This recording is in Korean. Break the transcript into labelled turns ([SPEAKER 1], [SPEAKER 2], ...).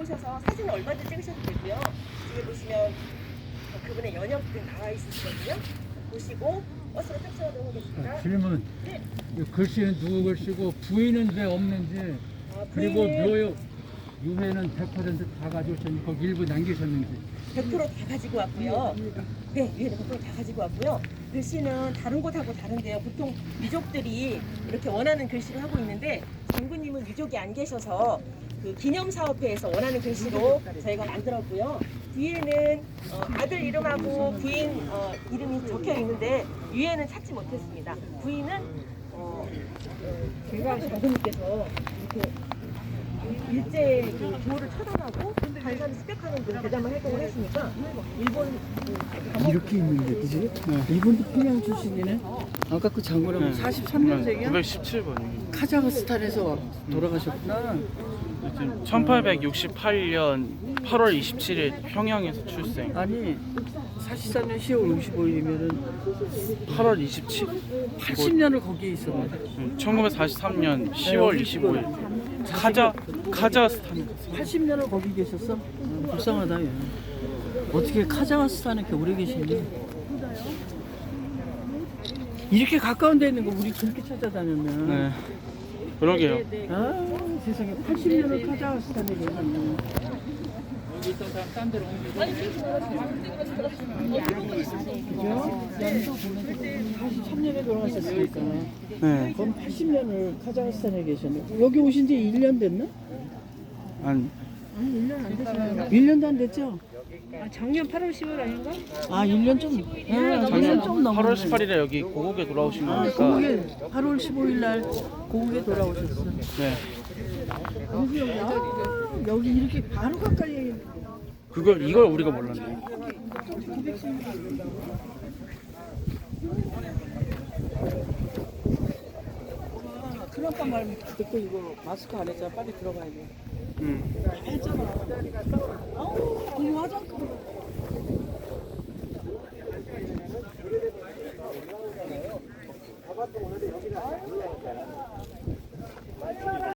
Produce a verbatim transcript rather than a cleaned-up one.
[SPEAKER 1] 들어오셔서 사진을 얼마든지 찍으셔도 되고요. 뒤에 보시면 그분의 연역 등 나와 있으시거든요. 보시고 버스로 탑승하도록 하겠습니다.
[SPEAKER 2] 질문.
[SPEAKER 1] 네.
[SPEAKER 2] 이 글씨는 누구 글씨고 부인은 왜 없는지,
[SPEAKER 1] 아,
[SPEAKER 2] 그리고
[SPEAKER 1] 부인은
[SPEAKER 2] 묘역 유해는 백 퍼센트 다 가져오셨는지 거기 일부 남기셨는지.
[SPEAKER 1] 백 퍼센트 다 가지고 왔고요. 네, 위에는 백 퍼센트 다 가지고 왔고요. 글씨는 다른 곳하고 다른데요. 보통 유족들이 이렇게 원하는 글씨를 하고 있는데 장군님은 유족이 안 계셔서 그 기념사업회에서 원하는 글씨로 저희가 만들었고요. 뒤에는 어, 아들 이름하고 부인 어, 이름이 적혀 있는데 위에는 찾지 못했습니다. 부인은 어, 제가 장군님께서 이렇게 일제 그 교를 처단하고 간사를 습격하는 그 대담한 활동을 했으니까 일본 그 감옥
[SPEAKER 3] 이렇게 있는데, 그지? 이분도 평양 출신이네. 아까 그 장군은 사십삼 년생이야?
[SPEAKER 4] 구백십칠 번이에요.
[SPEAKER 3] 카자흐스탄에서 돌아가셨구나.
[SPEAKER 4] 천팔백육십팔 년 팔월 이십칠일 평양에서 출생.
[SPEAKER 3] 아니, 사십삼 년 시월 오십오일이면은
[SPEAKER 4] 팔월 이십칠.
[SPEAKER 3] 팔십 년을 거기에 있었네.
[SPEAKER 4] 천구백사십삼 년 시월 이십오일. 카자 카자흐스탄.
[SPEAKER 3] 팔십 년을 거기 계셨어? 음, 불쌍하다, 얘. 어떻게 카자흐스탄에 이렇게 오래 계시니? 이렇게 가까운 데 있는 거 우리 그렇게 찾아다녔네.
[SPEAKER 4] 네. 그러게요.
[SPEAKER 3] 아, 세상에 팔십 년을 카자흐스탄에 계셨네.
[SPEAKER 2] 여기 있던 사람 딴 데로 옮기고.
[SPEAKER 3] 그죠? 사십삼 년에 돌아가셨으니까.
[SPEAKER 4] 네.
[SPEAKER 3] 그럼 팔십 년을 카자흐스탄에 계셨네. 여기 오신 지 일 년 됐나?
[SPEAKER 4] 한
[SPEAKER 3] 일 년도 안 됐죠?
[SPEAKER 5] 아, 작년 팔월 십일 아닌가?
[SPEAKER 3] 아, 일 년 좀, 아, 일 년 좀 넘었네.
[SPEAKER 4] 팔월 십팔일에 여기 고국에 돌아오신
[SPEAKER 3] 아,
[SPEAKER 4] 거니까.
[SPEAKER 3] 고국에 팔월 십오일 날 고국에 돌아오셨어.
[SPEAKER 4] 네.
[SPEAKER 3] 여기 여기 아, 여기 이렇게 바로 가까이.
[SPEAKER 4] 그걸 이걸 우리가 몰랐네.
[SPEAKER 3] 큰아빠 말 듣고 이거 마스크 안 했잖아. 빨리 들어가야 돼.
[SPEAKER 4] 음.
[SPEAKER 3] 했잖아. 아우, 이 화장